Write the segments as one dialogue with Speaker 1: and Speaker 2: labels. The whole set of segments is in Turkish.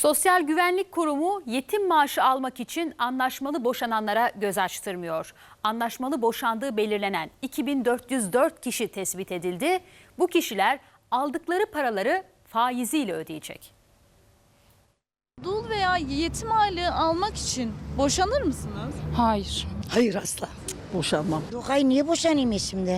Speaker 1: Sosyal Güvenlik Kurumu yetim maaşı almak için anlaşmalı boşananlara göz açtırmıyor. Anlaşmalı boşandığı belirlenen 2404 kişi tespit edildi. Bu kişiler aldıkları paraları faiziyle ödeyecek.
Speaker 2: Dul veya yetim aylığı almak için boşanır mısınız?
Speaker 3: Hayır.
Speaker 4: Hayır asla.
Speaker 3: Boşanmam.
Speaker 4: Yok hayır, niye boşanayım şimdi?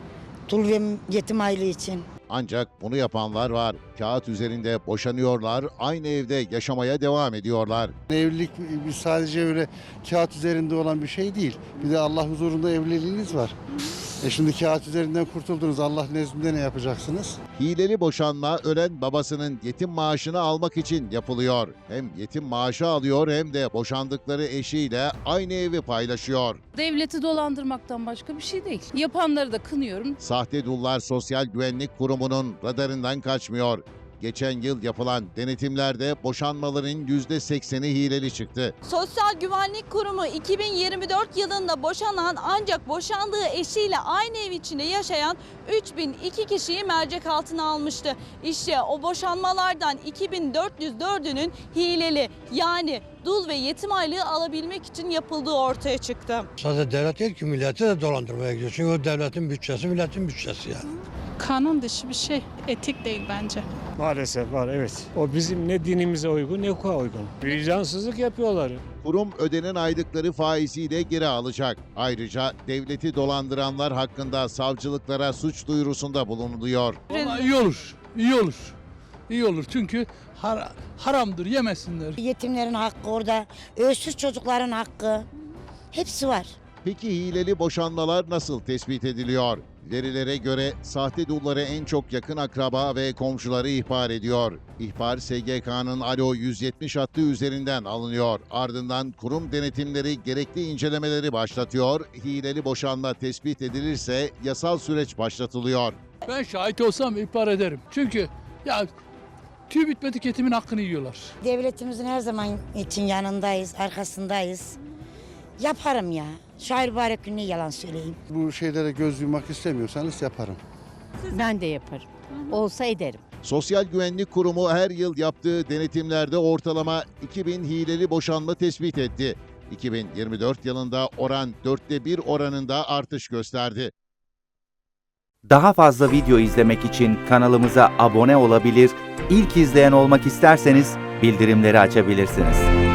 Speaker 4: Dul ve yetim aylığı için.
Speaker 5: Ancak bunu yapanlar var. Kağıt üzerinde boşanıyorlar, aynı evde yaşamaya devam ediyorlar.
Speaker 6: Evlilik sadece öyle kağıt üzerinde olan bir şey değil. Bir de Allah huzurunda evliliğiniz var. Şimdi kağıt üzerinden kurtuldunuz. Allah nezdinde ne yapacaksınız?
Speaker 5: Hileli boşanma ölen babasının yetim maaşını almak için yapılıyor. Hem yetim maaşı alıyor hem de boşandıkları eşiyle aynı evi paylaşıyor.
Speaker 3: Devleti dolandırmaktan başka bir şey değil. Yapanları da kınıyorum.
Speaker 5: Sahte dullar Sosyal Güvenlik Kurumu'nun radarından kaçmıyor. Geçen yıl yapılan denetimlerde boşanmaların %80'i hileli çıktı.
Speaker 2: Sosyal Güvenlik Kurumu 2024 yılında boşanan ancak boşandığı eşiyle aynı ev içinde yaşayan 3002 kişiyi mercek altına almıştı. İşte o boşanmalardan 2404'ünün hileli, yani dul ve yetim aylığı alabilmek için yapıldığı ortaya çıktı.
Speaker 7: Sadece devlet değil ki, milleti de dolandırmaya gidiyor. Çünkü o devletin bütçesi, milletin bütçesi yani.
Speaker 8: Kanun dışı bir şey, etik değil bence.
Speaker 9: Maalesef var, evet. O bizim ne dinimize uygun ne hukuka uygun. Vicdansızlık yapıyorlar.
Speaker 5: Kurum ödenen aylıkları faiziyle geri alacak. Ayrıca devleti dolandıranlar hakkında savcılıklara suç duyurusunda bulunuluyor.
Speaker 10: Vallahi iyi olur, iyi olur. İyi olur çünkü haramdır, yemesinler.
Speaker 4: Yetimlerin hakkı orada, öksüz çocukların hakkı. Hepsi var.
Speaker 5: Peki hileli boşanmalar nasıl tespit ediliyor? Verilere göre sahte dulları en çok yakın akraba ve komşuları ihbar ediyor. İhbar SGK'nın Alo 170 hattı üzerinden alınıyor. Ardından kurum denetimleri gerekli incelemeleri başlatıyor. Hileli boşanma tespit edilirse yasal süreç başlatılıyor.
Speaker 10: Ben şahit olsam ihbar ederim. Çünkü ya tüy bitmedik yetimin hakkını yiyorlar.
Speaker 4: Devletimizin her zaman için yanındayız, arkasındayız. Yaparım ya. Şair mübarek gününe yalan söyleyeyim.
Speaker 6: Bu şeylere göz yummak istemiyorsanız yaparım.
Speaker 3: Ben de yaparım. Olsa ederim.
Speaker 5: Sosyal Güvenlik Kurumu her yıl yaptığı denetimlerde ortalama 2000 hileli boşanma tespit etti. 2024 yılında oran 1/4 oranında artış gösterdi.
Speaker 11: Daha fazla video izlemek için kanalımıza abone olabilir, ilk izleyen olmak isterseniz bildirimleri açabilirsiniz.